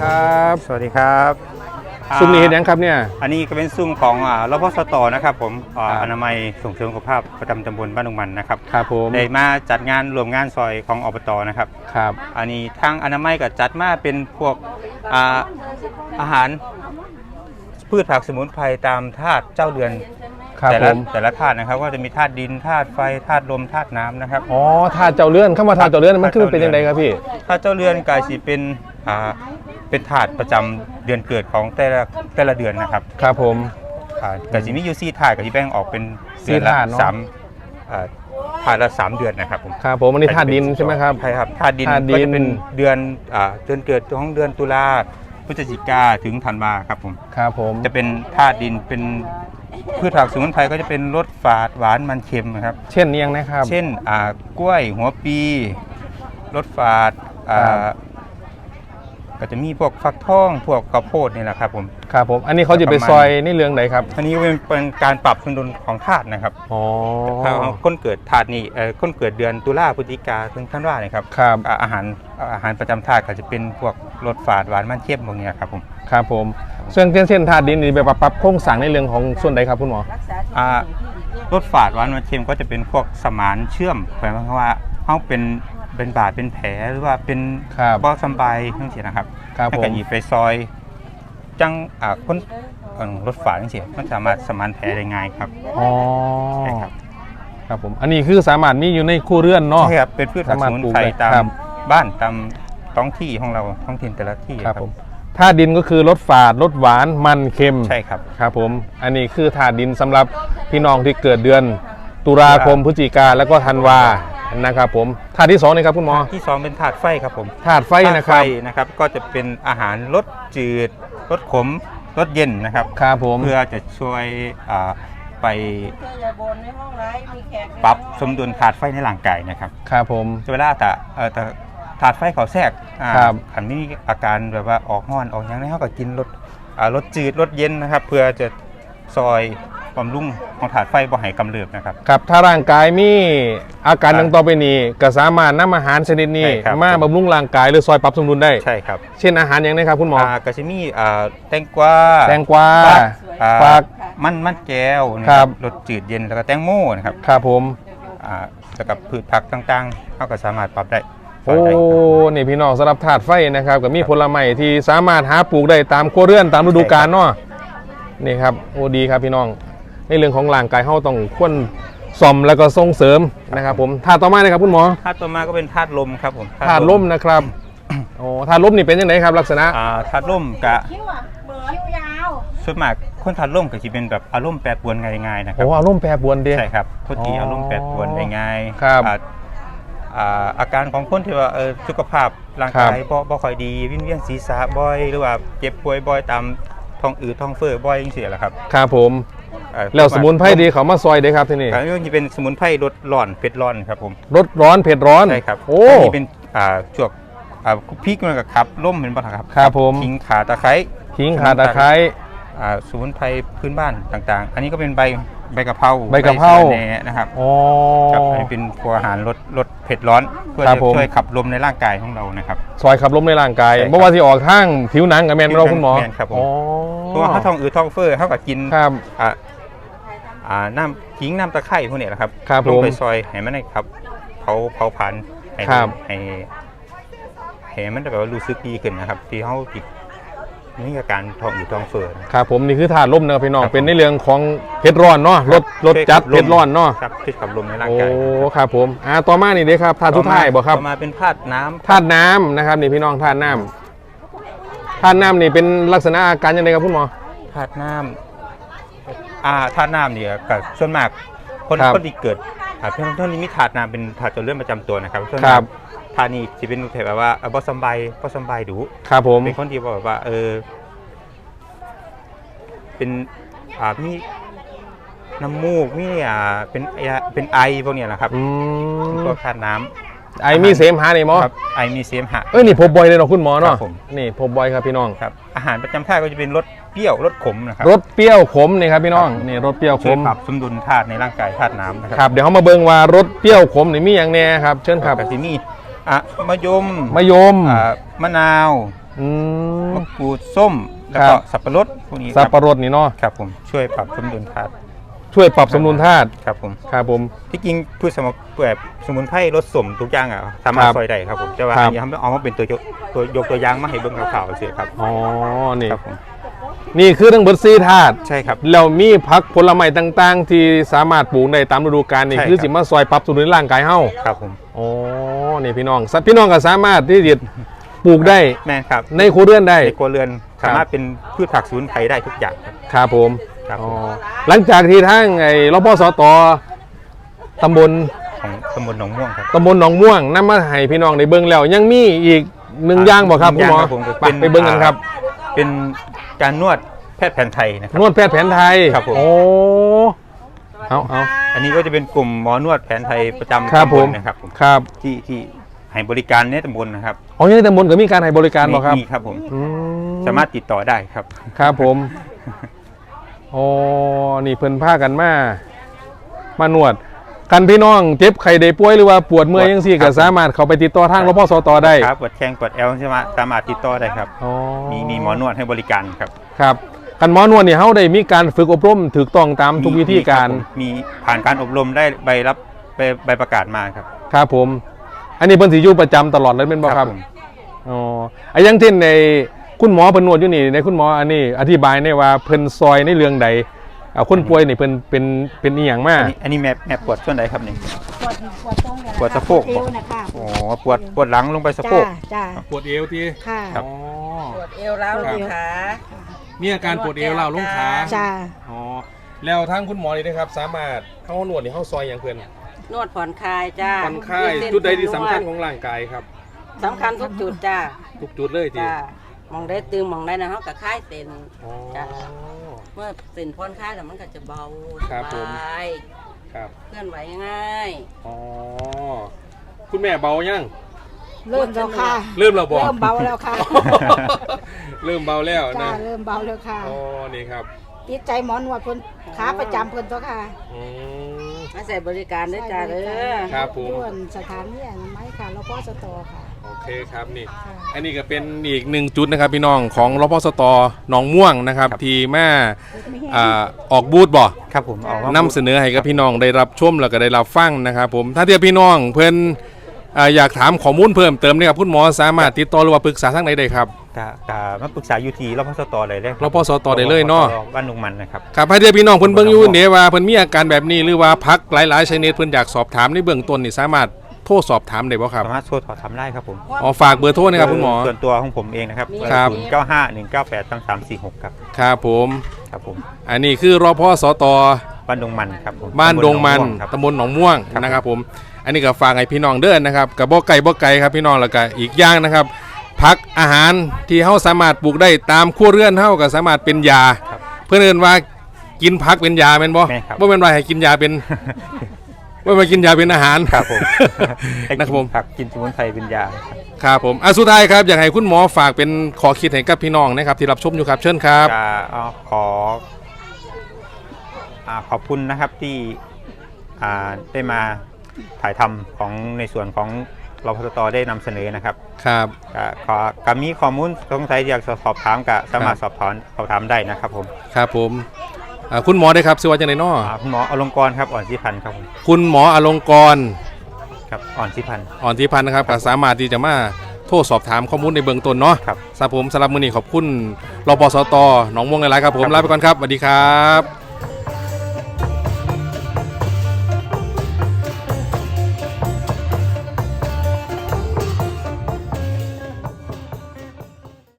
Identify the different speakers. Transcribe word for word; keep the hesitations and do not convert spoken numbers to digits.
Speaker 1: ครับ
Speaker 2: สวัสดีครับ
Speaker 1: ซุ้มนี้เห็นยังครับเนี่ย
Speaker 2: อันนี้ก็เป็นซุ้มของรพสตนะครับผมอนามัยส่งเสริมสุขภาพประจำตำบลบ้านดงมันนะครับ
Speaker 1: ครับผม
Speaker 2: ได้มาจัดงานรวมงานซอยของอบตนะครับ
Speaker 1: ครับ
Speaker 2: อันนี้ทางอนามัยก็จัดมาเป็นพวกอาอาหารพืชผักสมุนไพรตามธาตุเจ้าเรือนแต่ละแต่ละธาตุนะครับก็จะมีธาตุดินธาตุไฟธาตุลมธาตุน้ำนะครับ
Speaker 1: อ๋อธาตุเจ้าเรือนเข้ามาธาตุเจ้าเรือนมันคือเป็นยังไงครับพี่
Speaker 2: ธาตุเจ้าเรือนกายสีเป็นอ่าเป็นธาตุประจำเดือนเกิดของแต่ละแต่ละเดือนนะครับ
Speaker 1: ครับผม
Speaker 2: กายสีมีอยู่สี่ธาตุกับที่แบ่งออกเป็นเดือนละสามธาตุละสามเดือนนะครับผม
Speaker 1: ครับผมอันนี้ธาตุดินใช่ไหมครับ
Speaker 2: ใช่ครับธาตุดินก็จะเป็นเดือนเดือนเกิดของเดือนตุลาพฤศจิกาถึงธันวาครับผม
Speaker 1: ครับผม
Speaker 2: จะเป็นธาตุดินเป็นพืชผักสมุนไพรก็จะเป็นรสฝาดหวานมันเค็มนะครับ
Speaker 1: เช่นยังนะครับ
Speaker 2: เช่นกล้วยหัวปีรสฝาดก็จะมีพวกฟักทองพวกข้าวโพดนี่แหละครับผม
Speaker 1: ครับผมอันนี้เขาจะไปซอยนี่เรื่องไหนครับ
Speaker 2: อันนี้เป็นการปรับสมดุลของธาตุนะครับ
Speaker 1: อ๋อ
Speaker 2: ถ้าคนเกิดธาตุนี้คนเกิดเดือนตุลาพฤศจิกาถึงธันวาเนี่ยครับ
Speaker 1: ครับ
Speaker 2: อาหารอาหารประจำธาตุก็จะเป็นพวกรสฝาดหวานมันเค็มพวกนี้ครับผม
Speaker 1: ครับผมเช่นเช่นธาตุดินนี่แบบปรับโครงสร้างในเรื่องของส่วนใดครับคุณหมอ
Speaker 2: รสฝาดหวานมันเค็มก็จะเป็นพวกสมานเชื่อมหมายความว่าเขาเป็นเป็นบาดเป็นแผลหรือว่าเป็นบ่สบายทั้งเสียนะครับ
Speaker 1: ถ้า
Speaker 2: เกิดหยิบไปซอยจังคนรถฝาดทั้งเสียมันสามารถสมานแผลได้ง่ายครับ
Speaker 1: อ๋อใช่ครับครับผมอันนี้คือสามารถมีอยู่ในครัวเรือนเนาะ
Speaker 2: ใช่ครับเป็นพืชผักสมุนไพรตามบ้านตามท้องที่ของเราท้องถิ่นแต่ละที่
Speaker 1: ครับผมธาตุดินก็คือรสฝาดรสหวานมันเค็ม
Speaker 2: ใช่ครับ
Speaker 1: ครับผมอันนี้คือธาตุดินสำหรับพี่น้องที่เกิดเดือนตุลาคมพฤศจิกาแล้วก็ธันวานะครับผมธาตุที่สองนี่ครับคุณหมอ
Speaker 2: ที่สองเป็นธาตุไฟครับผม
Speaker 1: ธาตุไฟนะครับ
Speaker 2: นะครับก็จะเป็นอาหารรสจืดรสขมรสเย็นนะครับ
Speaker 1: ครับผม
Speaker 2: เพื่อจะช่วยไปปรับสมดุลธาตุไฟในร่างกายนะครับ
Speaker 1: ครับผม
Speaker 2: เวลาแต่แต่ธาตุไฟเขาแทรกขันมีอาการแบบว่าออกห้อนออกอย่างนี้เขาก็กินรสรสจืดรสเย็นนะครับเพื่อจะซอยบำรุงของถาดไฟบ่ให้กำเริบนะครับ
Speaker 1: ครับถ้าร่างกายมีอาการดังต่อไปนี้ก็สามารถนำอาหารชนิดนี้มาบำรุงร่างกายหรือซอยปรับสมดุลได้
Speaker 2: ใช่ครับ
Speaker 1: เช่นอาหารอย่างไรครับคุณหมอก
Speaker 2: ระชิมีแตงกวา
Speaker 1: แตงกวา
Speaker 2: ฟักมันมันแก้วนะครับรสจืดเย็นแล้วก็แตงโมนะครับ
Speaker 1: ครับผม
Speaker 2: แล้วกับพืชผักต่างๆเขาก็สามารถปรับได้
Speaker 1: โอ้นี่พี่น้องสำหรับถาดไฟนะครับก็มีผลไม้ที่สามารถหาปลูกได้ตามครัวเรือนตามฤดูกาลเนาะนี่ครับโอ้ดีครับพี่น้องในเรื่องของร่างกายเขาต้องควรซ่อมแล้วก็ส่งเสริมนะครับผมธาตุต่อมาเลยครับคุณหมอ
Speaker 2: ธาตุต่อมาก็เป็นธาตุลมครับผม
Speaker 1: ธาตุลมนะครับโอ้ธาตุลมนี่เป็นยังไงครับลักษณะ
Speaker 2: ธาตุลมกะส่วนมากคนธาตุลมก็จะเป็นแบบอารมณ์แปรปรวนง่ายๆนะครับ
Speaker 1: โอ้อารมณ์แปรปรวนดี
Speaker 2: ใช่ครับทุกทีอารมณ์แปรปรวนได้ง่าย
Speaker 1: ครับ
Speaker 2: อาการของคนที่ว่าสุขภาพร่างกายบ่ค่อยดีวิงเวียนศีรษะบ่อยหรือว่าเจ็บป่วยบ่อยตามท้องอืดท้องเฟ้อบ่อยอย่างเสียแหละครับ
Speaker 1: ครับผมแล้วสมุนไพรดีเขามาซอยได้ครับที่นี่
Speaker 2: อันนี้เป็นสมุนไพรรสร้อนเผ็ดร้อนครับผม
Speaker 1: รสร้อนเผ็ดร้อน
Speaker 2: ใช่ครับ
Speaker 1: โอ้
Speaker 2: นี่เป็นจวกพริกมันกับครับร่มเป็นปะครับ
Speaker 1: ครับผม
Speaker 2: ขิงข่าตะไคร้
Speaker 1: ขิงข่าตะไคร้
Speaker 2: สมุนไพรพื้นบ้านต่างๆอันนี้ก็เป็นใบใบกะเพรา
Speaker 1: ใบกะเพรา
Speaker 2: นะครับ
Speaker 1: อ๋อ
Speaker 2: ครับอันนี้เป็นตัวอาหารรสรสเผ็ดร้อนเพื่อจะช่วยขับลมในร่างกายของเรานะครับ
Speaker 1: ซอยขับลมในร่างกายเมื่อวานที่ออกข้างผิวหนังกับแมนเราคุณหมอ
Speaker 2: ครับผมเพราะว่าถ้าท้องอืดท้องเฟ้อเขาก็กิน
Speaker 1: ครับ
Speaker 2: อ่าน้ำขิงน้ำตะไคร้พวกนี้แหละครับ
Speaker 1: ล
Speaker 2: งไปซอยให้มันได้ครับเผาเผาผ่านให้ให้ให้มันแบบว่ารู้สึกดีขึ้นนะครับที่เขาติดนี่อาการท้องอืดท้องเฟ้อ
Speaker 1: ครับผมนี่คือธาตุลมนะครับพี่น้องเป็นในเรื่องของเผ็ดร้อนเนาะรสรสจัดเผ็ดร้อนเนาะ
Speaker 2: ครับที่ขับลมในร่างกาย
Speaker 1: โอ้ครับผมอ่าต่อมานี่เด้ครับธาตุสุดท้ายบ่ครับ
Speaker 2: ต่อมาเป็นธาตุน้ำ
Speaker 1: ธาตุน้ำนะครับนี่พี่น้องธาตุน้ำธาตุน้ำนี่เป็นลักษณะอาการยังไงครับคุณหมอ
Speaker 2: ธาตุน้ำอ่าธาตุน้ำเนี่ยกับส่วนมากคนคนที่เกิดอ่าเพื่อนท่านนี้มีธาตุน้ำเป็นธาตุเจริญประจำตัวนะครับ
Speaker 1: ครับ
Speaker 2: ธาตุนี้จะเป็นแบบว่าบอสบายบอสบายดู
Speaker 1: ครับผม
Speaker 2: เป็นคนที่บอกว่าเออเป็นอ่ามีน้ำมูกมีอ่าเป็นเป็นไอพวกนี้แหละครับพวกธาตุน้ำ
Speaker 1: ไอมีเสมหะนี่หมอ
Speaker 2: ครับไอมีเสมหะ
Speaker 1: เอ้ยนี่พบบ่อยเลยเนาะคุณหมอเนาะนี่พบบ่อยครับพี่น้อง
Speaker 2: ครับอาหารประจำธาตุก็จะเป็นรสเปรี้ยวรสขมนะครับ
Speaker 1: รสเปรี้ยวขมนี่ครับพี่น้องนี่รสเปรี้ยวขม
Speaker 2: ปรับสมดุลธาตุในร่างกายธาตุน้ำนะ
Speaker 1: ครับเดี๋ยวเขามาเบิ่งว่ารสเปรี้ยวขมนี่มีอย่างแน่ครับเชิญครับ
Speaker 2: ที่มีอ่ะมะยม
Speaker 1: มะยม
Speaker 2: อ่ามะนาว
Speaker 1: อืม
Speaker 2: มะกรูดส้มแล้ว
Speaker 1: ครั
Speaker 2: ก็
Speaker 1: บ
Speaker 2: สับปะรดพวกนี้ค
Speaker 1: สับ
Speaker 2: รับ
Speaker 1: ปะรดนี่เนาะ
Speaker 2: ครับผมช่วยปรับสมดุลธาตุ
Speaker 1: ช่วยปรับสมดุลธาตุ
Speaker 2: ครับผม
Speaker 1: ครับผม
Speaker 2: ที่จริงพืชสมุนแบบสมุนไพรรสสมทุกอย่างอ่ะสามารถ
Speaker 1: ครับ
Speaker 2: ซอยได้ครับผมแต่ว่า
Speaker 1: ครับ
Speaker 2: อันนี้เขาเอามาเป็นตัวยกตัวยกตัวอย่างมาให้เบิ่งข่าวๆเฉยครับ
Speaker 1: อ๋อนี่
Speaker 2: ครับผม
Speaker 1: นี่คือทั้งเบิดซีธาตุ
Speaker 2: ใช่ครับ
Speaker 1: แล้วมีผักผลไม้ต่างๆ ที่สามารถปลูกได้ตามฤดูกาลนี่
Speaker 2: ใช่ครับ
Speaker 1: คือสิมาซอยปรับสมดุลร่างกายเฮา
Speaker 2: ครับผม
Speaker 1: อ๋อนี่พี่น้องสัตว์พี่น้องก็สามารถที่จะปลูกได้
Speaker 2: แม่นครับ
Speaker 1: ในครัวเรือนได้
Speaker 2: ในครัวเรือนสามารถเป็นพืชผักสมุนไพรได้ทุกอย่างครับ
Speaker 1: ครับผม
Speaker 2: ครับ
Speaker 1: อ๋อหลังจากที่ทั้งไอ้รพสตตำบล
Speaker 2: ของตำบลหนองม่วงครับ
Speaker 1: ตำบลหนองม่วงนำมาให้พี่น้องได้เบิ่งแล้วยังมีอีกหนึ่งอย่างบ่ครับ
Speaker 2: ห
Speaker 1: คุ
Speaker 2: นึ่
Speaker 1: ณ
Speaker 2: ง
Speaker 1: หมอ
Speaker 2: อย่างครับผม
Speaker 1: ไปไปเบิ่งกันครับ
Speaker 2: เป็นการนวดแพทย์แผนไทยนะครับ
Speaker 1: นวดแพทย์แผนไทย
Speaker 2: ครับผม
Speaker 1: โอ้เอาเอา
Speaker 2: อันนี้ก็จะเป็นกลุ่มหมอนวดแผนไทยประจำ
Speaker 1: ครับ
Speaker 2: ตำ
Speaker 1: ผ
Speaker 2: บ
Speaker 1: ม
Speaker 2: ลนะครับผม
Speaker 1: ครับ
Speaker 2: ที่ที่ให้บริการในตำบลนะครับ
Speaker 1: อ๋อยังในตำบลก็มีการให้บริการบ่ครับ
Speaker 2: มีครับผม
Speaker 1: อื
Speaker 2: สามารถติดต่อได้ครับ
Speaker 1: ครับผมโอ้นี่เพิ่นพากันมามานวดกันพี่น้องเจ็บไข้ได้ป่วยหรือว่าปวดเมื่อยจังซี่
Speaker 2: ครั
Speaker 1: ก็
Speaker 2: บ
Speaker 1: สามารถเข้าไปติดต่อทางรพสตได้
Speaker 2: ครับปวดแข้งปวดเอวใช่ไหมสามารถติดต่อได้ครับ
Speaker 1: อ๋อ
Speaker 2: มีมีหมอนวดให้บริการครับ
Speaker 1: ครับกันหมอนวดนี่เฮาได้มีการฝึกอบรมถูกต้องตามทุกวิธีการ
Speaker 2: มีคบผมมีผ่านการอบรมได้ใบรับใบใบประกาศมาครับ
Speaker 1: ครับผม อันนี้เพิ่นสิอยู่ประจำตลอดเลยเป็นบ่ครับ
Speaker 2: ผม
Speaker 1: อ๋ออะอย่างเช่นในคุณหมอเพิ่นนวดอยู่นี่ในคุณหมออันนี้อธิบายได้ว่าเพิ่นซอยในเรื่องใดอ่าคนป่วยนี่เพิ่นเป็นเป็นอีหยังมา
Speaker 2: อันนี้อันนี้แม่แม่ปวดส่วนใดครับนี่
Speaker 3: ปวดปวดตรงเนี่ย
Speaker 2: ปวดสะโพก
Speaker 3: เอวนะคะ
Speaker 2: อ๋อปวดปวดหลังลงไปสะโพ
Speaker 3: จ้าก จ้า
Speaker 1: ปวดเอวที่
Speaker 3: ค่ะ
Speaker 2: ครับ
Speaker 1: อ๋อ
Speaker 4: ปวดเอวร้าวลงขา
Speaker 1: มีอาการปวดเอวเล่าวลงขา
Speaker 3: จ้า
Speaker 1: อ๋อแล้วทางคุณหมอนี่นะครับสามารถเฮานวดนี่เฮาซอยหยังเพิ่น
Speaker 4: นวดผ่อนคลายจ้า
Speaker 1: ผ่อนคลาย
Speaker 4: ยืเส้น
Speaker 1: จุดใดที่สำคัญ
Speaker 4: น
Speaker 1: ข
Speaker 4: ว
Speaker 1: องร่างกายครับ
Speaker 4: สำคัญทุกจุดจ้า
Speaker 1: ทุกจุดเลยที
Speaker 4: จ้ามองได้ตึงมองได้นะเขากับคลายเส้น
Speaker 1: อ๋อ
Speaker 4: จ้ะ เมื่อเส้นผ่อนคลายแล้วมันก็จะเบา
Speaker 1: ครับผม
Speaker 4: สบาย
Speaker 1: ครับ
Speaker 4: เคลื่อนไหวง่าย
Speaker 1: อ๋อคุณแม่เบายัง
Speaker 3: เริ่มแล้วค่ะ
Speaker 1: เริ่มแล้วบ่
Speaker 3: เริ่มเบาแล้วค่ะ
Speaker 1: เริ่มเบาแล้ว
Speaker 3: จ้า
Speaker 1: นะ
Speaker 3: เริ่มเบาแล้วค่ะ
Speaker 1: อ๋อนี่ครับ
Speaker 3: ติดใจหมอนวดเพิ่นขาประจำเพิ่นตัวค่ะ
Speaker 1: อืม
Speaker 4: มาใส่บริการด้วยจ้าเด้อ
Speaker 1: ครับผม
Speaker 3: ด้วนสถานีอนามัยค่ะรพสตค่ะ
Speaker 1: โอเคครับนี่
Speaker 3: ค่ะ
Speaker 1: อันนี้ก็เป็นอีกหนึ่งจุดนะครับพี่น้องของรพสตหนองม่วงนะครับ
Speaker 2: ครับ
Speaker 1: ที่แม่อ่าออกบูธบ่
Speaker 2: ครับผมเอามาน
Speaker 1: ำเสนอให้กับพี่น้องได้รับชมแล้วก็ได้รับฟังนะครับผมถ้าเทียบพี่น้องเพิ่นอ่าอยากถามข้อมูลเพิ่มเติมเนี่ยครับคุณหมอสามารถติดต่อหรือว่าปรึกษาทางไหนได้ครับ
Speaker 2: กะกะมาปรึกษาอยู่ที่รพสตเลยเลยคบ
Speaker 1: รพสตได้เลยเนาะ
Speaker 2: บ้านลุงมันนะครับ
Speaker 1: ครับถ้าเทียบพี่น้องเพิ่นเบิ่งอยู่เนี่ยว่าเพิ่นมีอาการแบบนี้หรือว่าพักหลายๆชนิดเพิ่นอยากสอบถามในเบื้องต้นนี่สามารถโทรสอบถามได้บ่ครับ
Speaker 2: สามารถโทรถอดทำได้ครับผม
Speaker 1: อ๋อฝากเบอร์โทรนะครับคุณหมอ
Speaker 2: ส่วนตัวของผมเองนะครับ
Speaker 1: ครับ
Speaker 2: ศูนย์เก้าห้าหนึ่งเก้าแปดสามสามสี่หกครับ
Speaker 1: ครับผม
Speaker 2: ครับผม
Speaker 1: อันนี้คือรพสต
Speaker 2: บ้านดงมันครับผม
Speaker 1: บ้านดงมัน
Speaker 2: ตำบลหนองม่วงครับ
Speaker 1: ตำบลหนองม่วงนะครับผมอันนี้ก็ฝากให้พี่น้องเด้อนนะครับกับบ่ไก่บ่ไก่ครับพี่น้องแล้วก็อีกอย่างนะครับผักอาหารที่เฮาสามารถปลูกได้ตามครัวเรือนเฮาก็สามารถเป็นยา
Speaker 2: ครับ
Speaker 1: เพื่อนเอิ้นว่ากินผักเป็นยาแม่นบ่
Speaker 2: แม่นครับ
Speaker 1: บ่แม่นว่าให้กินยาเป็น บ่แม่นว่ากินยาเป็นอาหาร
Speaker 2: ครับผม
Speaker 1: นะครับผม
Speaker 2: ผักกินสมุนไพรเป็นยา
Speaker 1: ครับผมอ่ะสุดท้ายครับอยากให้คุณหมอฝากเป็นขอคิดให้กับพี่น้องนะครับที่รับชมอยู่ครับเชิญครับ
Speaker 2: จะเอาขออ่าขอบคุณนะครับที่อ่าได้มาถ่ายทำของในส่วนของรพสตได้นำเสนอนะครับ
Speaker 1: ครับ
Speaker 2: ก็ขอกมีข้อมูลสงสัยอยากสอบถามก็สามารถสอบถามสอบถามได้นะครับผม
Speaker 1: ครับผมอ่าคุณหมอได้ครับชื่อว่าจังได๋น้อ
Speaker 2: อ่าคุณหมออลงกรณ์ครับอ่อนสิพันธ์ครับผม
Speaker 1: คุณหมออลงกรณ์
Speaker 2: ครับอ่อนสิพันธ์
Speaker 1: อ่อนที่พันนะครับก็สามารถที่จะมาโทรสอบถามข้อมูลในเบื้องต้นเนาะ
Speaker 2: ครับ
Speaker 1: สำหรับผมสำหรับมือนี้ขอบคุณรปสตหนองม่วงหลายๆครับผม
Speaker 2: ครับ
Speaker 1: ลาไปก่อนครับสวัสดีครับ